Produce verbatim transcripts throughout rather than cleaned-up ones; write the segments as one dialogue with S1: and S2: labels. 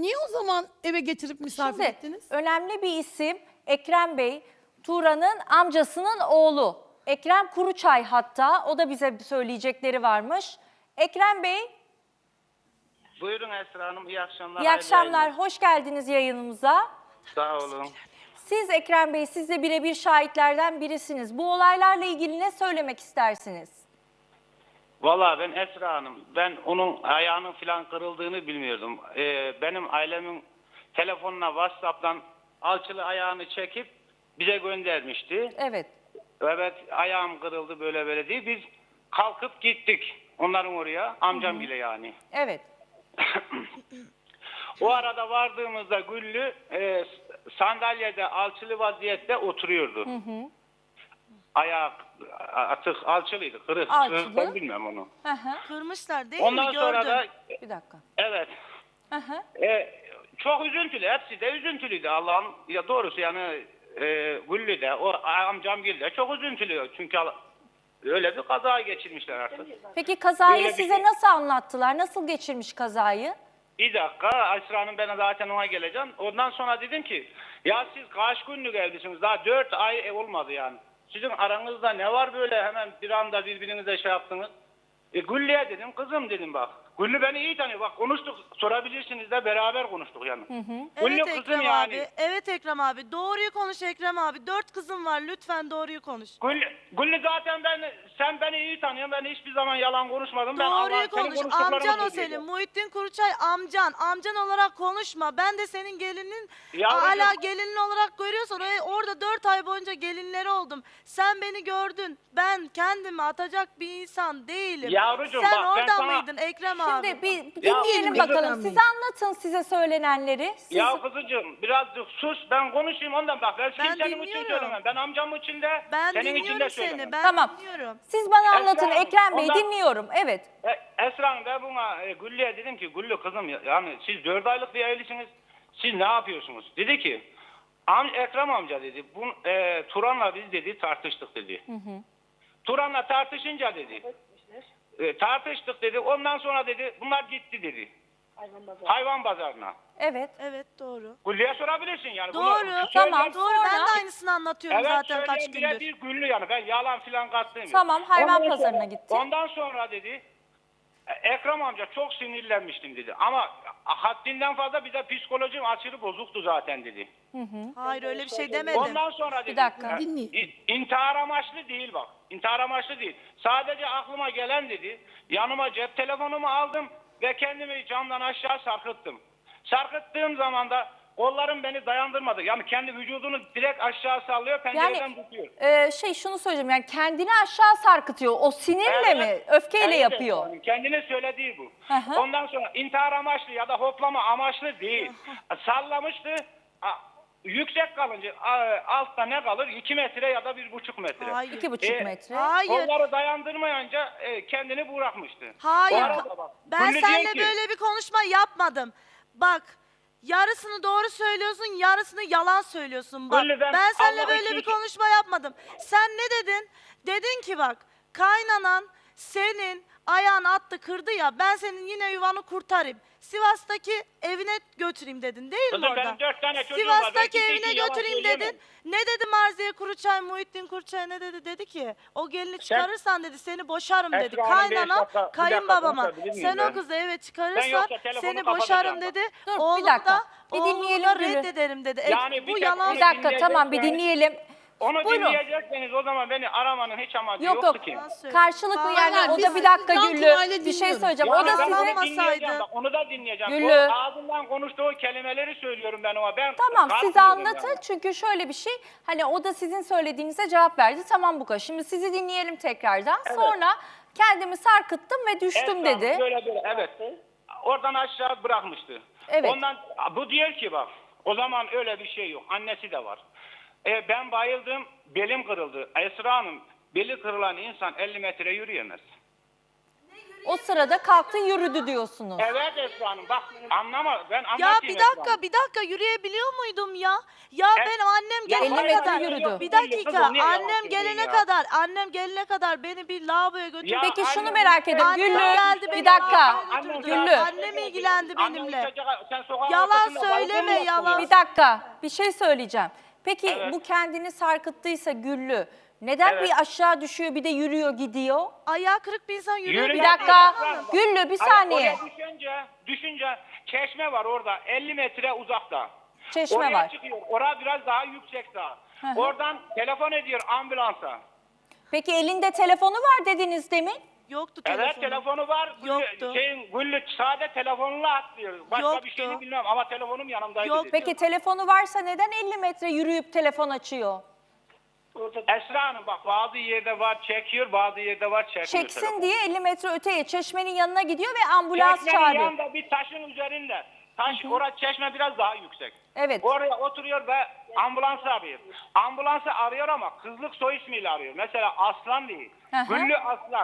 S1: Niye o zaman eve getirip misafir
S2: Şimdi
S1: ettiniz?
S2: önemli bir isim Ekrem Bey, Turan'ın amcasının oğlu. Ekrem Kuruçay hatta, o da bize söyleyecekleri varmış. Ekrem Bey,
S3: Buyurun Esra Hanım, iyi akşamlar.
S2: iyi
S3: hayırlı
S2: akşamlar,
S3: yayınlar.
S2: hoş geldiniz yayınımıza.
S3: Sağ olun.
S2: Siz Ekrem Bey, siz de birebir şahitlerden birisiniz. Bu olaylarla ilgili ne söylemek istersiniz?
S3: Vallahi ben Esra Hanım, ben onun ayağının falan kırıldığını bilmiyordum. Ee, benim ailemin telefonuna WhatsApp'tan alçılı ayağını çekip bize göndermişti.
S2: Evet.
S3: Evet, ayağım kırıldı böyle böyle diye. Biz kalkıp gittik onların oraya, amcam bile yani.
S2: Evet.
S3: O arada vardığımızda Güllü e, sandalyede alçılı vaziyette oturuyordu. Hı hı. Ayağı atık alçılıydı, kırık.
S2: Alçılı.
S3: Ben bilmem onu.
S2: Hı hı.
S4: Kırmışlar değil
S3: Ondan
S4: mi?
S3: sonra
S4: Gördüm.
S3: da
S2: Bir dakika.
S3: evet.
S2: Hı hı.
S3: E, çok üzüntülü, hepsi de üzüntülüydü Allah'ın ya doğrusu yani e, Güllü de o amcam Gül de çok üzüntülü çünkü öyle bir kaza geçirmişler artık.
S2: Peki kazayı
S3: Öyle bir
S2: size
S3: şey.
S2: nasıl anlattılar? Nasıl geçirmiş kazayı?
S3: Bir dakika Esra Hanım, ben zaten ona geleceğim. Ondan sonra dedim ki ya siz kaç günlük evlisiniz, daha dört ay olmadı yani. Sizin aranızda ne var böyle hemen bir anda birbirinize şey yaptınız. E Güllü'ye dedim, kızım dedim bak. Güllü beni iyi tanıyor, bak konuştuk, sorabilirsiniz de beraber konuştuk yani. Hı hı. Güllü
S4: Evet
S3: kızım
S4: Ekrem
S3: yani.
S4: abi. Evet Ekrem abi. Doğruyu konuş Ekrem abi. Dört kızım var. Lütfen doğruyu konuş.
S3: Güllü, Güllü zaten ben, sen beni iyi tanıyorsun, ben hiçbir zaman yalan konuşmadım. Ben Allah,
S4: Doğruyu
S3: senin
S4: konuş.
S3: konuştuklarını
S4: Amcan o
S3: söylüyorum.
S4: senin. Muhittin Kuruçay amcan. Amcan olarak konuşma. Ben de senin gelinin
S3: Yavrucuğum.
S4: hala gelinin olarak görüyorsan oraya- orada dört ay boyunca gelinleri oldum. Sen beni gördün. Ben kendimi atacak bir insan değilim.
S3: Yavrucuğum,
S4: Sen
S3: bak, ben
S4: orada
S3: sana-
S4: mıydın Ekrem abi?
S2: Şimdi bir bir
S3: Ya,
S2: dinleyelim
S3: kızım,
S2: bakalım.
S1: ben
S2: Siz
S1: miyim?
S2: anlatın size söylenenleri. Siz...
S3: Ya kızıcığım birazcık sus, ben konuşayım ondan bak. Ben,
S4: Ben
S3: kimsenin için
S4: dinliyorum.
S3: söylemem. Ben amcamın için de
S4: Ben
S3: senin için de
S4: dinliyorum
S3: söylemem.
S4: seni. Ben
S2: Tamam.
S4: dinliyorum.
S2: Siz bana
S3: Esra
S2: anlatın
S3: Hanım,
S2: Ekrem Bey,
S3: ondan-
S2: dinliyorum. Evet.
S3: E, Esra Hanım, ben buna e, Güllü'ye dedim ki Güllü kızım ya- yani siz dört aylık bir evlisiniz. Siz ne yapıyorsunuz? Dedi ki am, Ekrem amca dedi. Bu, e, Turan'la biz dedi tartıştık dedi. Hı hı. Turan'la tartışınca dedi. E, tartıştık dedi. Ondan sonra dedi bunlar gitti dedi. Hayvan, pazarı. Hayvan pazarına.
S2: Evet.
S4: Evet doğru.
S3: Güllü'ye sorabilirsin yani. Bunu
S4: Doğru.
S3: söyleyen-
S2: Tamam.
S4: Doğru. Ben
S2: Sonra-
S4: de aynısını anlatıyorum
S3: Evet,
S4: zaten kaç
S3: söyleyen
S4: gündür.
S3: birebir Güllü yani. Ben yalan filan kattım.
S2: Tamam, hayvan pazarına gitti.
S3: Ondan sonra dedi e, Ekrem amca çok sinirlenmiştim dedi. Ama haddinden fazla bir de psikolojim aşırı bozuktu zaten dedi.
S4: Hayır öyle bir şey demedim.
S3: Ondan sonra dedi.
S2: Bir dakika.
S3: e,
S1: Dinleyin.
S3: i- İntihar amaçlı değil bak. İntihar amaçlı değil. Sadece aklıma gelen dedi. Yanıma cep telefonumu aldım ve kendimi camdan aşağı sarkıttım. Sarkıttığım zaman da kollarım beni dayandırmadı. Yani kendi vücudunu direkt aşağı sallıyor, pencereden
S2: Yani
S3: tutuyor.
S2: e, şey şunu söyleyeceğim, yani kendini aşağı sarkıtıyor. O sinirle
S3: Evet.
S2: mi, öfkeyle
S3: Evet,
S2: yapıyor?
S3: yani kendine söylediği bu.
S2: Hı hı.
S3: Ondan sonra intihar amaçlı ya da hoplama amaçlı değil. Sallamıştı. A- Yüksek kalınca a- altta ne kalır? iki metre ya da bir buçuk metre.
S4: Hayır.
S2: İki buçuk
S3: E,
S2: metre.
S4: Hayır.
S3: Kolları dayandırmayınca e, kendini bırakmıştı.
S4: Hayır.
S3: O arada bak,
S4: Ben
S3: Güllü diyor
S4: seninle
S3: ki-
S4: böyle bir konuşma yapmadım. Bak yarısını doğru söylüyorsun, yarısını yalan söylüyorsun. Bak
S3: Güllü, ben
S4: ben seninle
S3: Allah
S4: böyle
S3: için-
S4: bir konuşma yapmadım. Sen ne dedin? Dedin ki bak kaynanan senin ayağını attı kırdı ya ben senin yine yuvanı kurtarayım. Sivas'taki evine götüreyim dedin değil mi
S3: Kızım,
S4: orada?
S3: benim dört tane çocuğum var. Ben
S4: Sivas'taki
S3: kimseye
S4: evine
S3: için yalan
S4: götüreyim
S3: söyleyemem.
S4: dedin. Ne dedi Marziye Kuruçay, Muhittin Kuruçay ne dedi? Dedi ki o gelini çıkarırsan dedi seni boşarım dedi.
S3: Esra Hanım, beş
S4: Kaynana
S3: dakika- bir dakika
S4: kayınbabama
S3: konuşabilir miyim
S4: sen
S3: ben?
S4: o kızı eve
S3: Ben
S4: çıkarırsan
S3: yoksa telefonu
S4: seni
S3: kapatacağım
S4: boşarım
S3: bak.
S4: dedi.
S2: Dur, bir
S4: Oğlum
S2: dakika.
S4: da,
S2: Bir
S4: oğlumu
S2: dinleyelim
S4: da
S2: Gül'ü.
S4: reddederim dedi. E,
S3: Yani bir
S4: bu
S3: tek
S4: yalan.
S3: onu
S2: Bir dakika,
S3: dinleyecek
S2: tamam, bir
S3: yani.
S2: dinleyelim.
S3: Onu
S2: Buyurun.
S3: dinleyecekseniz o zaman beni aramanın hiç amacı
S2: Yok
S3: yoktu
S2: yok,
S3: ki.
S2: karşılıklı
S4: Tamam.
S2: yani
S1: Hayır,
S2: o da
S1: biz
S2: bir dakika
S1: can
S2: Güllü
S1: kulağıyla
S2: bir şey
S1: dinliyoruz.
S2: söyleyeceğim.
S3: Yani
S2: O da
S3: ben
S2: sizin...
S3: onu
S4: Anlamasaydı-
S3: dinleyeceğim bak, onu da dinleyeceğim.
S2: Güllü.
S3: O ağzından konuştuğu kelimeleri söylüyorum ben ona. Ben
S2: Tamam siz
S3: kalkmıyorum
S2: anlatın
S3: yani.
S2: çünkü şöyle bir şey, hani o da sizin söylediğinize cevap verdi, tamam bu kadar. Şimdi sizi dinleyelim tekrardan. Sonra kendimi sarkıttım ve düştüm
S3: Esra
S2: dedi.
S3: Hanım, Böyle böyle evet. Oradan aşağı bırakmıştı.
S2: Evet.
S3: Ondan bu diyor ki bak o zaman öyle bir şey yok. Annesi de var. E, ben bayıldım, belim kırıldı. Esra Hanım, beli kırılan insan elli metre yürüyemez.
S2: O sırada kalktı yürüdü diyorsunuz.
S3: Evet Esra Hanım bak anlama ben anlatayım
S4: Ya bir
S3: Esra Hanım.
S4: dakika bir dakika yürüyebiliyor muydum ya? Ya
S3: Evet.
S4: benim annem
S3: Ya
S4: gelene
S2: elli metre
S4: kadar.
S2: yürüdü.
S4: Bir
S3: Kızım,
S4: dakika
S3: niye yalan
S4: annem
S3: söylüyorsun
S4: gelene
S3: ya?
S4: kadar annem gelene kadar beni bir lavaboya götürdü.
S3: Ya
S2: Peki şunu
S3: annem-
S2: merak ediyorum.
S4: Annem
S2: Güllü
S4: geldi beni
S2: bir dakika.
S4: lavaboya götürdü.
S2: Güllü.
S4: Annem ilgilendi benimle.
S3: Annem uçacak, sen sokağın
S4: Yalan
S3: ortasında
S4: söyleme,
S3: balkon mu
S4: yalan.
S3: yaptın ya?
S2: Bir dakika bir şey söyleyeceğim. Peki
S3: Evet.
S2: bu kendini sarkıttıysa Güllü neden
S3: Evet.
S2: bir aşağı düşüyor bir de yürüyor gidiyor?
S4: Ayağı kırık bir insan yürüyor.
S3: Yürü
S2: Bir
S3: lan,
S2: dakika.
S3: yürü lan.
S2: Güllü bir
S3: Hayır,
S2: saniye.
S3: Oraya düşünce, düşünce çeşme var orada elli metre uzakta.
S2: Çeşme
S3: Oraya
S2: var.
S3: çıkıyor. Orada biraz daha yüksek daha.
S2: Hı hı.
S3: Oradan telefon ediyor ambulansa.
S2: Peki elinde telefonu var dediniz demin.
S4: Yoktu
S3: Evet
S4: telefonu.
S3: telefonu var. Güllü-
S4: Yoktu.
S3: Şeyin, Güllü sade telefonla atlıyor. Başka
S4: Yoktu.
S3: bir şeyini bilmem ama telefonum yanımdaydı.
S4: Yok.
S3: dedi.
S2: Peki telefonu varsa neden elli metre yürüyüp telefon açıyor?
S3: Esra Hanım bak bazı yerde var çekiyor bazı yerde var çekmiyor.
S2: Çeksin
S3: telefon.
S2: diye elli metre öteye çeşmenin yanına gidiyor ve ambulans
S3: Çeşmenin
S2: çağırıyor.
S3: yanında bir taşın üzerinde. Taş orada çeşme biraz daha yüksek.
S2: Evet.
S3: Oraya oturuyor ve ambulansı arıyor. Ambulansı arıyor ama kızlık soy ismiyle arıyor. Mesela Aslan değil.
S2: Hı hı.
S3: Güllü Aslan.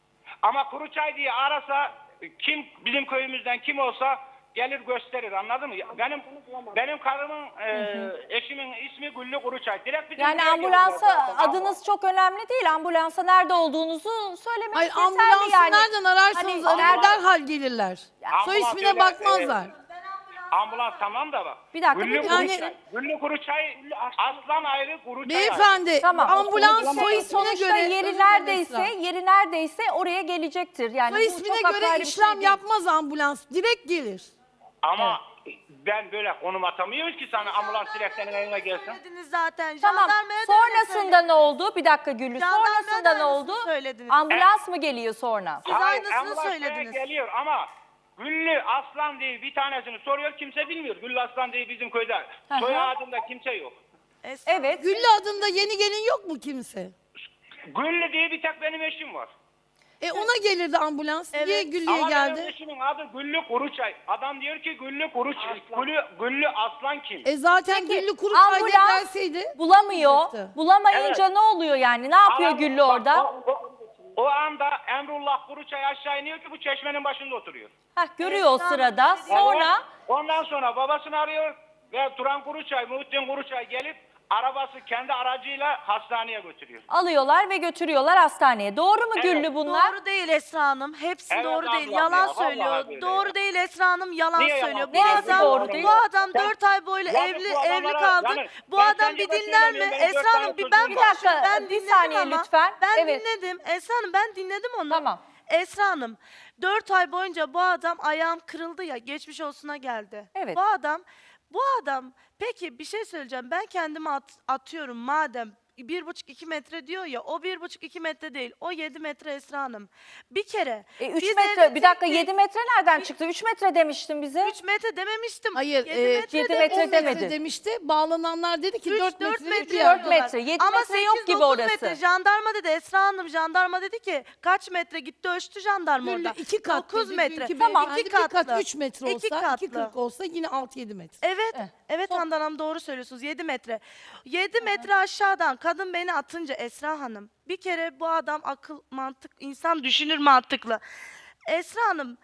S3: Ama Kuruçay diye arasa kim bizim köyümüzden kim olsa gelir gösterir anladın mı? Benim benim karımın e, eşimin ismi Güllü Kuruçay. Direkt bizim
S2: Yani
S3: köye
S2: ambulansa
S3: geliyorlar zaten.
S2: adınız çok önemli değil. Ambulansa nerede olduğunuzu söylemek
S1: Hayır
S2: yeterli
S1: ambulansı
S2: yani.
S1: nereden ararsanız
S2: Hani
S1: arayın,
S2: nereden-
S1: derhal gelirler. Soy
S3: Ambulans
S1: ismine
S3: öyle,
S1: bakmazlar.
S3: Ambulans tamam da bak.
S2: Bir dakika,
S3: Güllü
S2: bir-
S1: Yani-
S3: Kuruçay. Güllü Kuruçay Aslan ayrı Kuruçay ayrı.
S1: Beyefendi
S2: Tamam.
S1: ambulans soy
S2: Soy
S1: ismine
S2: sonuçta
S1: göre
S2: yeri
S1: özür dilerim
S2: neredeyse,
S1: Esra.
S2: yeri neredeyse oraya gelecektir. Yani
S1: Soy
S2: bu
S1: ismine
S2: çok
S1: göre
S2: apayrı bir şey
S1: işlem
S2: değil.
S1: yapmaz ambulans. Direkt gelir.
S3: Ama ben böyle konum atamıyoruz ki sana ambulans direkt senin eline gelsin.
S4: Söylediniz zaten.
S2: Tamam.
S4: Jandarmaya da öyle
S2: Sonrasında ne oldu? Bir dakika Güllü.
S4: Jandarmaya
S2: Sonrasında
S4: da
S2: ne
S4: aynısını
S2: oldu?
S4: söylediniz.
S2: Ambulans mı geliyor sonra?
S4: Siz
S3: Hayır,
S4: aynısını
S3: ambulans buraya
S4: söylediniz.
S3: geliyor ama Güllü Aslan diye bir tanesini soruyor kimse bilmiyor. Güllü Aslan diye bizim köyde
S2: hı.
S3: soy ağacında kimse yok.
S4: Esra,
S2: Evet.
S1: Güllü adında yeni gelin yok mu kimse?
S3: Güllü diye bir tek benim eşim var.
S1: E ona gelirdi ambulans. Niye
S4: Evet.
S1: Güllü'ye
S3: Ama benim
S1: geldi?
S3: eşimin adı Güllü Kuruçay. Adam diyor ki Güllü Kuruçay. Güllü, Güllü Aslan kim?
S1: E zaten
S2: Peki,
S1: Güllü Kuruçay diye
S2: ambulans
S1: gelseydi.
S2: bulamıyor.
S1: olacaktı.
S2: Bulamayınca
S3: Evet.
S2: ne oluyor yani? Ne yapıyor
S3: Adam-
S2: Güllü
S3: bak,
S2: orada?
S3: O, o, o anda Emrullah Kuruçay aşağı iniyor ki bu çeşmenin başında oturuyor.
S2: Heh, görüyor o
S4: Esra Hanım,
S2: sırada.
S4: bir şey diyeyim.
S2: Sonra
S3: Ondan sonra babasını arıyor ve Turan Kuruçay, Muhittin Kuruçay gelip arabası kendi aracıyla hastaneye götürüyor.
S2: alıyorlar ve götürüyorlar hastaneye. Doğru mu
S3: Evet.
S2: Güllü bunlar?
S4: Doğru değil Esra Hanım. Hepsi
S3: Evet
S4: doğru değil.
S3: ablam
S4: Yalan
S3: ya,
S4: söylüyor.
S3: vallahi billahi
S4: Doğru
S3: ya.
S4: değil Esra Hanım. Yalan
S3: Niye yalan
S4: söylüyor. Bu
S3: söylüyor?
S2: Neresi
S4: adam
S2: doğru değil?
S4: bu adam
S3: Sen-
S4: dört ay boyunca
S3: Yani
S4: evli
S3: bu
S4: evli
S3: adamlara-
S4: kaldı.
S3: yani
S4: Bu
S3: ben
S4: adam
S3: sence
S4: bir
S3: ben
S4: dinler mi?
S3: söylemiyorum, benim dört
S4: Esra
S3: tane
S4: Hanım bir
S3: çocuğum
S4: ben
S3: var.
S2: Bir dakika,
S4: konuşayım. Ben
S2: bir
S4: dinledim
S2: saniye
S4: ama.
S2: lütfen.
S4: Ben
S2: Evet.
S4: dinledim. Esra Hanım ben dinledim onu.
S2: Tamam.
S4: Esra Hanım dört ay boyunca bu adam ayağım kırıldı ya geçmiş olsuna geldi.
S2: Evet.
S4: Bu adam bu adam peki bir şey söyleyeceğim. Ben kendimi at- atıyorum madem bir buçuk iki metre diyor ya o bir buçuk iki metre değil o yedi metre Esra Hanım. Bir kere.
S2: E, üç
S4: biz
S2: metre,
S4: evde
S2: bir dakika
S4: tek-
S2: yedi metre nereden çıktı? üç metre demiştin bize.
S4: üç metre dememiştim.
S1: Hayır,
S4: yedi
S1: e,
S4: metre
S2: yedi
S4: dedim.
S2: metre
S1: on metre
S2: demedi.
S1: demişti. Bağlananlar dedi ki
S4: Üç,
S1: dört
S4: dört
S1: metre.
S4: metre
S2: dört
S4: diyorlar.
S2: metre, yedi
S4: Ama
S2: metre yok
S4: sekiz,
S2: gibi
S4: dokuz
S2: orası.
S4: metre. Jandarma dedi Esra Hanım jandarma dedi ki kaç metre gitti ölçtü jandarma
S1: Güllü
S4: orada.
S1: iki kat
S4: dokuz
S1: dedi.
S4: metre.
S1: Dünkü
S4: Tamam
S1: beyefendi
S4: iki
S1: bir kat
S4: katlı.
S1: üç metre
S4: İki
S1: olsa,
S4: katlı.
S1: iki kırk olsa yine altı yedi metre.
S4: Evet,
S2: Eh.
S4: evet Handan Hanım doğru söylüyorsunuz. yedi metre. yedi metre aşağıdan kadın beni atınca Esra Hanım. Bir kere bu adam akıl, mantık, insan düşünür mantıklı. Esra Hanım,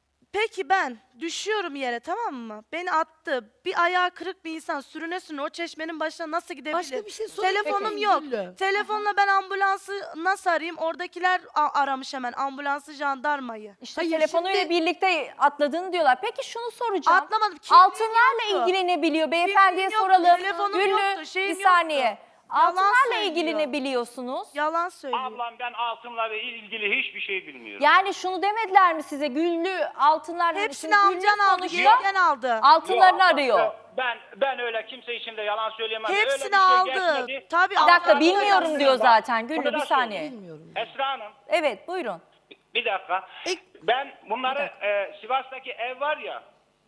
S4: peki ben düşüyorum yere tamam mı? Beni attı. Bir ayağı kırık bir insan sürüne sürüne o çeşmenin başına nasıl gidebilir?
S1: Başka bir şey sorayım
S4: Telefonum
S1: peki,
S4: yok.
S1: Güllü.
S4: Telefonla ben ambulansı nasıl arayayım? Oradakiler a- aramış hemen ambulansı, jandarmayı.
S2: İşte
S1: Hayır,
S2: telefonuyla
S1: şimdi-
S2: birlikte atladığını diyorlar. Peki şunu soracağım.
S4: Atlamadım, kimliğim
S2: Altınlarla
S4: yoktu.
S2: ilgilenebiliyor. Beyefendiye
S4: Kimliğim
S2: soralım.
S4: yoktu, telefonum
S2: Güllü
S4: yoktu, şeyim
S2: bir saniye.
S4: yoktu. Yalan
S2: Altınlarla
S4: söylüyor.
S2: ilgili ne biliyorsunuz?
S4: Yalan söylüyor.
S3: Ablam ben altınla ve ilgili hiçbir şey bilmiyorum.
S2: Yani şunu demediler mi size? Güllü altınlar hani
S4: Hepsini
S2: şimdi Güllü
S4: amcan aldı,
S2: sonuçta
S4: yengen aldı.
S2: altınlarını
S3: Yok,
S2: arıyor.
S3: Ben ben öyle kimse için de yalan söyleyemem. Öyle bir
S4: Hepsini
S3: şey
S4: aldı.
S3: geçmedi.
S4: Tabii
S2: Bir
S4: aldı.
S2: dakika
S3: Ama-
S2: bilmiyorum diyor
S3: Bak,
S2: zaten.
S3: bunu
S2: Güllü
S3: da
S2: bir saniye.
S1: Bilmiyorum.
S3: Esra Hanım
S2: Evet buyurun.
S3: bir dakika.
S1: E-
S3: Ben bunları e, Sivas'taki ev var ya.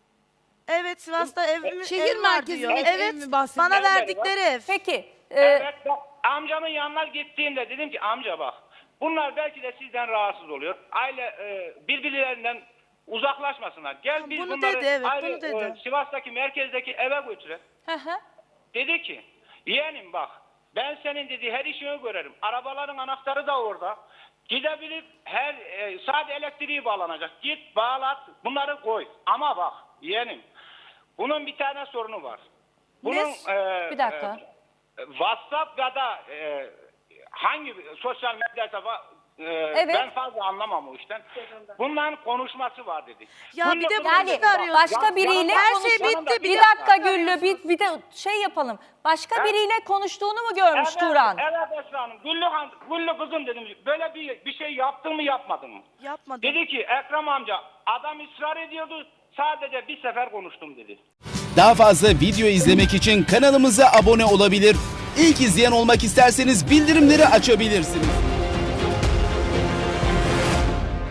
S4: Evet Sivas'ta evim,
S1: Şehir
S4: ev var
S1: merkezindeki
S4: diyor.
S1: ev
S4: Evet
S1: mi bahsediyor?
S4: bana
S3: Evet,
S4: verdikleri ev.
S2: Peki. e,
S3: Evet bak amcamın yanına gittiğimde dedim ki amca bak bunlar belki de sizden rahatsız oluyor. Aile e, birbirlerinden uzaklaşmasınlar. Gel biz
S4: Bunu
S3: bunları
S4: dedi, evet,
S3: aile,
S4: bunu dedi.
S3: e, Sivas'taki merkezdeki eve götürelim.
S2: hı hı.
S3: Dedi ki yeğenim bak ben senin dedi her işini görerim. Arabaların anahtarı da orada. gidebilip her e, sadece elektriği bağlanacak. Git bağlat, bunları koy. Ama bak yeğenim, bunun bir tane sorunu var. Bunun e,
S2: Bir dakika.
S3: e, WhatsApp ya da e, hangi sosyal medyada e,
S2: Evet.
S3: ben fazla anlamam o işten. Bunların konuşması var dedi.
S4: Ya bir de
S3: Güllü-
S4: bunu
S2: Yani
S4: çıkarıyorsun.
S2: başka biriyle
S4: Her
S2: konuş-
S4: şey bitti,
S2: Bir,
S4: bir
S2: dakika
S4: dakika.
S2: Güllü, bir, bir de şey yapalım. Başka
S3: Ha?
S2: biriyle konuştuğunu mu görmüş
S3: Evet,
S2: Turan?
S3: evet Esra Hanım. Güllü, Han- Güllü kızım dedim. Böyle bir, bir şey yaptın mı yapmadın mı?
S4: Yapmadım.
S3: Dedi ki Ekrem amca adam ısrar ediyordu. Sadece bir sefer konuştum dedi.
S5: Daha fazla video izlemek için kanalımıza abone olabilir. İlk izleyen olmak isterseniz bildirimleri açabilirsiniz.